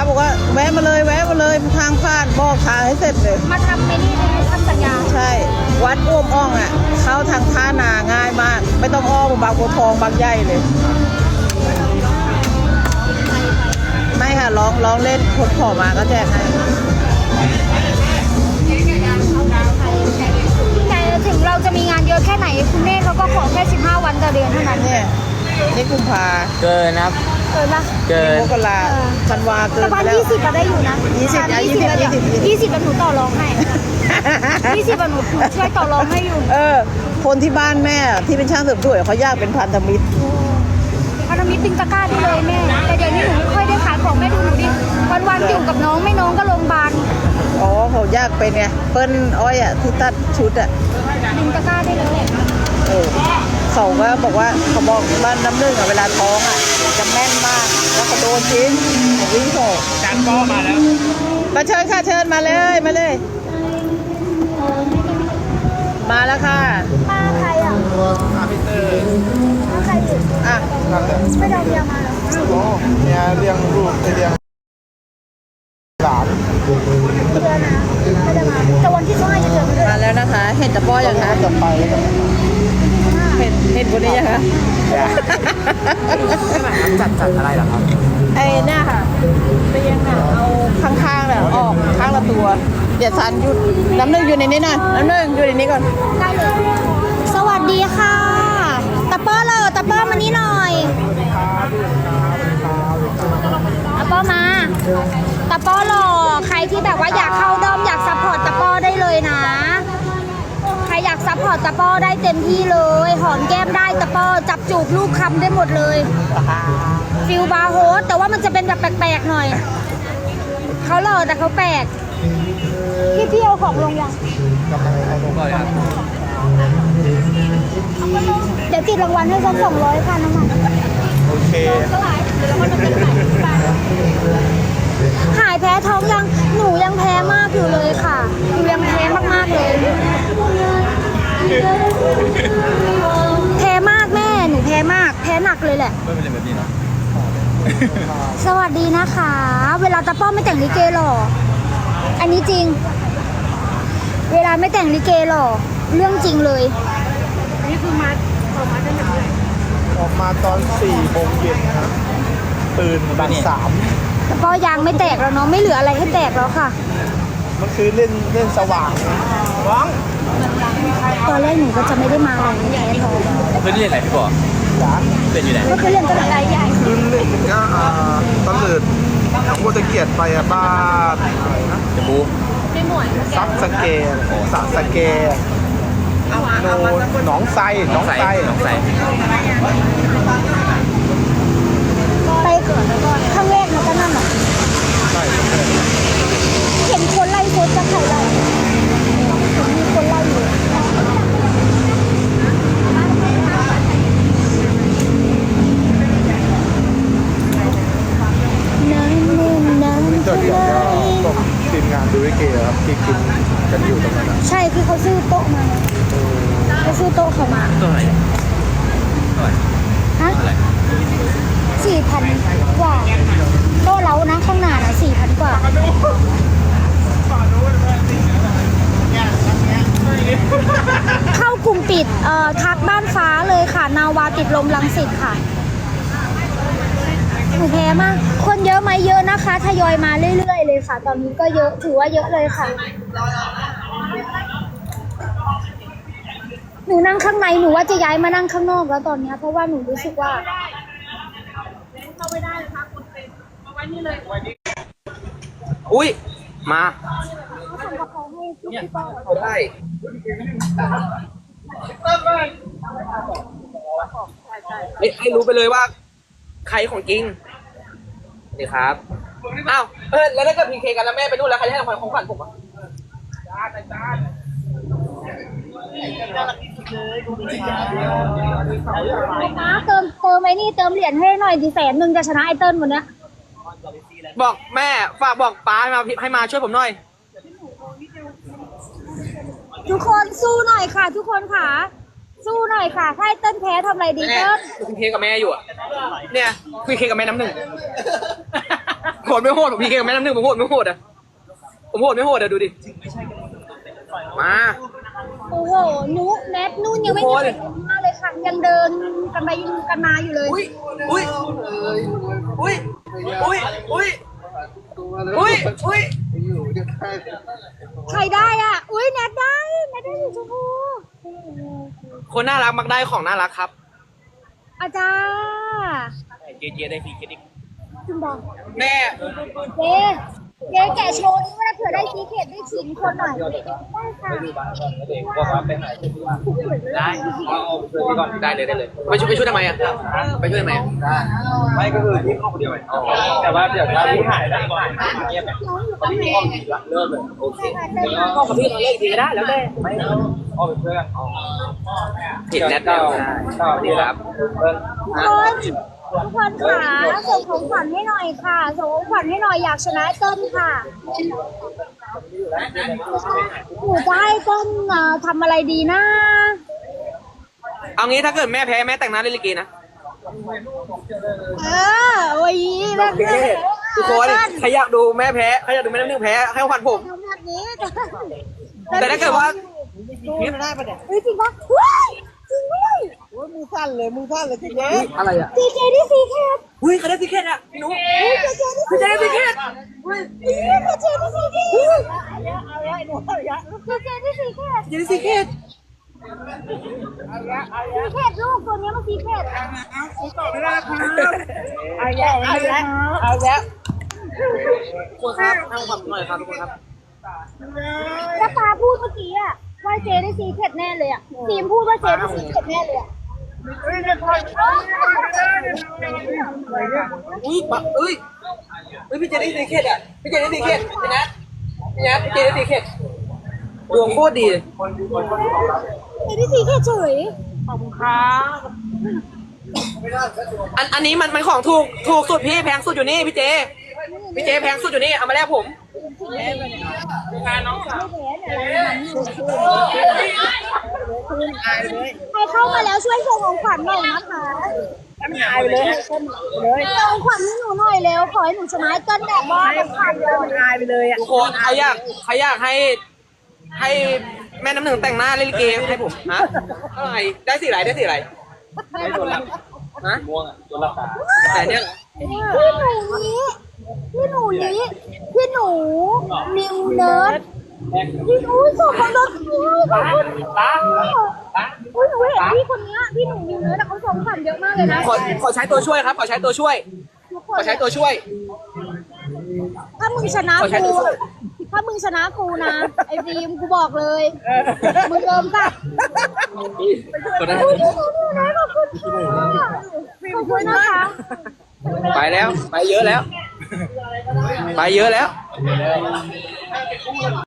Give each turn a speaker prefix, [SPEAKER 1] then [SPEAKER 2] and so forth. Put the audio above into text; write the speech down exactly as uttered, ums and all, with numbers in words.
[SPEAKER 1] บอกว่าแวะมาเลยแวะมาเลยทางผ่านบอกทางให้เสร็จเลย
[SPEAKER 2] มาทำไม่นี่เลยทำสัญญา
[SPEAKER 1] ใช่วัดอ้วมอ่องอ่ะเข้าทางท่านาง่ายมากไม่ต้องอ้อมบางบัวทองบางใหญ่เลยไม่ค่ะร้องร้องเล่นคนขอมาก็แจกให้
[SPEAKER 2] แต่ถึงเราจะมีงานเยอะแค่ไหนคุณแม่เขาก็ขอแค่สิบห้าวันต่อเดือนเท่านั้น
[SPEAKER 1] เนี่ยนี่กุมภา
[SPEAKER 3] เกินครับ
[SPEAKER 2] เกินปะ
[SPEAKER 3] เกิน
[SPEAKER 1] มกราธันวาเกิน
[SPEAKER 2] ไป
[SPEAKER 1] แล้ว
[SPEAKER 2] ยี่สิบก็ได้อยู่นะ
[SPEAKER 1] ยี่สิบยี่สิบยี่สิบ
[SPEAKER 2] ยี่สิบหนูต่อรองให้ยี่สิบหนูช่วยต่อรองให้อยู่
[SPEAKER 1] เออคนที่บ้านแม่ที่เป็นช่างเสริมสวยเขาอยากเป็นพันธมิตร
[SPEAKER 2] พันธมิตรติงตะกร้าได้เลยแม่แต่เดี๋ยวนี้หนูไม่ค่อยได้ขายของแม่ดูหนูดิวันๆอยู่กับน้องไม่น้องก็โรงพยาบาล
[SPEAKER 1] อ๋อเขายากเป็นไงเปิ้ลอ้อยอ่ะที่ตัดชุดอ่ะ
[SPEAKER 2] ติงตะกร้าได้เลย
[SPEAKER 1] เออเขาก็บอกว่าเขาบอกบ้านน้ำนึ่งอ่ะเวลาท้องอ่ะจะแม่นมากแล้วก็โดนจริงวิ่งโผล่
[SPEAKER 3] จานป้อมาแล้ว
[SPEAKER 1] มาเชิญค่ะเชิญมาเลยมาเลยมาแล้วค่ะ
[SPEAKER 2] มาใครอ่ะ
[SPEAKER 3] มาพี่เตอร์
[SPEAKER 2] มาใครอยู่
[SPEAKER 1] อ่ะ
[SPEAKER 2] ไม่ได้เรียงมา
[SPEAKER 3] โอ้เนี่ยเลี้ยงลูกเลี้ยงหลาน
[SPEAKER 2] เดือนนะไม่ได้มาแต่วันที่ห้าจะเจอ
[SPEAKER 1] มาแล้วนะคะเห็นตะป้อยังคะ
[SPEAKER 3] จะไปแล้วกัน
[SPEAKER 1] เห็นเห็นคนนี้ยังคะ
[SPEAKER 3] จัดจัดอะไรเหรอครับ
[SPEAKER 1] ไอ้เนี่ยค่ะเตียงอ่ะเอาข้างๆเนี่ยออกข้างละตัวเดี๋ยวซันหยุดน้ำหนึ่งอยู่ในนี้หน่อยน้ำหนึ่งอยู่ในนี้ก่อน
[SPEAKER 2] ได้เลยสวัสดีค่ะตะป้อเลยตะป้อมานี่หน่อยตะป้อมาตะป้อหล่อใครที่แบบว่าอยากเข้าด้อมอยากซัพพอร์ตตะป้อได้เลยนะใครอยากซัพพอร์ตตะป้อได้เต็มที่เลยหอมแก้มได้ตะป้อจับจูบลูกคำได้หมดเลยฟิลบาร์โฮสแต่ว่ามันจะเป็นแบบแปลกๆหน่อยเขาหล่อแต่เขาแปลกพี่พี่เอาของลงยัง
[SPEAKER 3] กำลังเอาลงเลยครับ
[SPEAKER 2] เดี๋ยวติดรางวัลให้สักสองร้อยค่ะน้ำมัน
[SPEAKER 3] โอเค
[SPEAKER 2] หายแพ้ท้องยังหนูยังแพ้มากอยู่เลยค่ะหนูยังแพ้มากๆเลยแพ้มากแม่หนูแพ้มากแพ้หนักเลยแหละ
[SPEAKER 3] ไม่เป็นแบบนี้เนาะ
[SPEAKER 2] สวัสดีนะคะเวลาตะป้อมไม่แต่งลิเกหรออันนี้จริงเวลาไม่แต่งลิเกหรอเรื่องจริงเลยอันนี้คือมาออกมาได้ยังไง
[SPEAKER 3] ออกมาตอนสี่โมงเย็นครับตื่นบ่ายสาม
[SPEAKER 2] ตะป้อยางไม่แตกแล้วเนาะไม่เหลืออะไรให้แตกแล้วค่ะ
[SPEAKER 3] มันคือเล่นเล่นสว่างร้อง
[SPEAKER 2] ตอนแรกหนูก็จะไม่ได้มาอะไรแพ้ท้อง
[SPEAKER 3] เพื่อนเล่นอะไรพี่บอกเล่นอยู่ไหน
[SPEAKER 2] ก็คือเล่นตลาดใหญ่
[SPEAKER 3] คือเล่นก็ตลาดทางโคตรเกียรติไปอะบ้านอะไรนะจะบูซับสเกลสัสเกลโนหนองไซหนองไซหนองไซ
[SPEAKER 2] ไปเกิดแล้วก็ข้างแรกมันก็นั่นหรอ
[SPEAKER 3] ใช่
[SPEAKER 2] เห็นคนไล่โคตรจะใครไล่มีคนไล่อยู่
[SPEAKER 3] เดี๋ยวก็ทีมงานดูวิเกครับที่กินกันอยู่ตรงนั้น
[SPEAKER 2] ใช่คือเขาซื้อโต๊ะมาเขาซื้อโต๊ะเขามา
[SPEAKER 3] โต๊ะอะไร
[SPEAKER 2] ฮะสี่พันกว่าโต๊ะเรานะข้างหน้านะสี่พันกว่าเข้ากลุ่มปิดเอ่อทักบ้านฟ้าเลยค่ะนาวาติดลมรังสิตค่ะหนูแพ้มากคนเยอะไหมเยอะนะคะทยอยมาเรื่อยๆเลยค่ะตอนนี้ก็เยอะถือว่าเยอะเลยค่ะหนูนั่งข้างในหนูว่าจะย้ายมานั่งข้างนอกแล้วตอนนี้เพราะว่าหนูรู้สึกว่าเข้าไม่ได้เลยค่ะคุณเป็นเอาไว้นี่เลย
[SPEAKER 3] อุ้ยมา
[SPEAKER 2] เขา
[SPEAKER 3] ได้ให้รู้ไปเลยว่าใครของจริงนี่ครับอ้าวเออแล้วถ้าเกิดพีเคกันแล้วแม่ไปนู่นแล้วใครให้ของขวัญผมอ่ะ
[SPEAKER 2] นะเติมเติมไอ้นี่เติมเหรียญให้หน่อยดีแสนหนึ่งจะชนะไอเติ้ลวันนี้
[SPEAKER 3] บอกแม่ฝากบอกป้าให้มาให้มาช่วยผมหน่อย
[SPEAKER 2] ทุกคนสู้หน่อยค่ะทุกคนค่ะสู้หน่อยค่ะถ้าไอเติ้ลแพ้ทำอะไรดีเติ้ล
[SPEAKER 3] คุยเคกับแม่อยู่อ่ะเนี่ยคุยเคกับแม่น้ำหนึ่ง
[SPEAKER 4] โหดไม่โหดผมพีเคกับแม่น้ำหนึ่งผมโหดไม่โหดอ่ะผมโหดไม่โหดอ่ะดูดิมา
[SPEAKER 2] โอ้โหนุกแนทนุ่นยังไม่มีใครเห็นมากเลยค่ะยังเดินกันไปกันมาอยู่เลย
[SPEAKER 4] อุ้ยอุ้ยอุ้ยอุ้ยอุ้ยอุ้ยอุ้ย
[SPEAKER 2] ใครได้อ่ะอุ้ยแนทได้แนทได้สีชมพู
[SPEAKER 4] คนน่ารักมักได้ของน่ารักครับ
[SPEAKER 2] อาจารย์
[SPEAKER 4] เจเจได้ฟรีเครดิต
[SPEAKER 2] คุณบอก
[SPEAKER 4] แม่
[SPEAKER 2] เจ๊เจ๊แกะโชว์นี่ว่าเผื่อได้ซีเคทได้ชิงคนหน่อยได้ค่ะ
[SPEAKER 4] ได้เอาช่วยก่อนได้เลยได้เลยไปช่วยไปช่วยทำไมอ่ะไปช่วยทำไมไม่ก็คือที่เข้าคนเดียวแต่ว่าเดี๋ยวถ้าพี่หายได้ก่อนเงียบ
[SPEAKER 2] น้องอยู่กับแม่
[SPEAKER 4] เริ่มเลยโอเคก็กับพี่เราเล่นดีก็ได้แล้วแต่ไม่เอาเป็นเพื่อนจิตแนทได้สวัสดีครับ
[SPEAKER 2] ทุกคนทุกคนค่ะส่งของขวัญให้หน่อยค่ะส่งของขวัญให้หน่อยอยากชนะเต้นค่ะหนูจะให้เต้นเอ่อทำอะไรดีนะ
[SPEAKER 4] เอางี้ถ้าเกิดแม่แพ้แม่แต่งหน้าเล่นลิเกนะ
[SPEAKER 2] เออโอ้ยแบบ
[SPEAKER 4] ทุกคนใครอยากดูแม่แพ้ใครอยากดูแม่น้ำหนึ่งแพ้ให้ขวัญผม
[SPEAKER 2] ทำแบบนี้
[SPEAKER 4] แต่ถ้าเกิดว่า
[SPEAKER 1] นี่ไม่ได้ปะเนี่ย
[SPEAKER 2] เฮ้ยจริงปะเฮ้ยจริงด้วย
[SPEAKER 1] โอ้ยมือสั่นเลยมือสั่นเลยทีเนี้ย
[SPEAKER 4] อะไรอ่ะ
[SPEAKER 2] ซีเคที่ซีเค
[SPEAKER 4] อุ้ยเขาได้ติเกตอ่ะพี่นุ๊กพี่จะได้ติเกต
[SPEAKER 2] ซีเคที่ซีเค
[SPEAKER 1] เอาละเอาละหนูเอาละ
[SPEAKER 2] ซีเคที่ซีเค
[SPEAKER 4] จะได้ติเกต
[SPEAKER 1] เอาละเอา
[SPEAKER 2] ซี
[SPEAKER 1] ละ
[SPEAKER 2] เคลูกตัวนี้มันซีเค
[SPEAKER 1] ไม่ได้ครับเอาละเอาละเอาละ
[SPEAKER 4] คนครับให้ขวัญหน่อยครับทุกคนครับ
[SPEAKER 2] แล้วปาพูดเมื่อกี้อะว่าเจได้ซีเคแน่เลยอะทีมพูดว่าเจได้ซีเคแน่เลยอะ
[SPEAKER 4] อุ้ยปะอุ้ยอุ้ยพี่เจได้ติเกตอ่ะพี่เจได้ติเกตพี่นัทพี่นัทพี่เจได้ติเกตดวงโคตรดี
[SPEAKER 2] เจได้ซีเคเฉย
[SPEAKER 1] ขอบคุณครับ
[SPEAKER 4] อันอันนี้มันมันของถูกถูกสุดพี่แพงสุดอยู่นี่พี่เจพี่เจแพงสุดอยู่นี่เอามาแลกผม
[SPEAKER 1] อายเลย
[SPEAKER 2] ใครเข้ามาแล้วช่วยส่งของขวัญหน่อยนะคะ
[SPEAKER 1] ไม่อายเลยให้เต้นเลย
[SPEAKER 2] ส่งของขวัญให้หนูหน่อยเร็วขอให้หนูชนะเต้นแบบว่าของขวัญเลย
[SPEAKER 1] อายไปเลยอ่ะ
[SPEAKER 4] ทุกคนเขาอยากเขาอยากให้ให้แม่น้ำหนึ่งแต่งหน้าเล่นลิเกให้ผมฮะอะไรได้สีอะไรได้สีอะไรฮะม่วงอ่ะตัวละตาแต่เนี้ย
[SPEAKER 2] พี่หนูนี้พี่หนูนี้พี่หนูนิวเนิร์ดพี่หนูส่งของรถพี่ขอบคุณค่ะอุ้ยหนูเห็นพี่คนนี้พี่หนูนิวเนิร์ดเขาส่งขวัญเยอะมากเลยนะ
[SPEAKER 4] ขอขอใช้ตัวช่วยครับขอใช้ตัวช่วย ขอใช้ตัวช่วย
[SPEAKER 2] ถ้ามึงชนะกูถ้ามึงชนะกูนะไอ้ฟิล์มกูบอกเลยมึงเริ่มสัก
[SPEAKER 4] กดได้
[SPEAKER 2] อุ้ยพี่หนูนิวเนิร์ดขอบคุณค่ะขอบคุณนะคะ
[SPEAKER 4] ไปแล้วไปเยอะแล้ว ไปเยอะแล้ว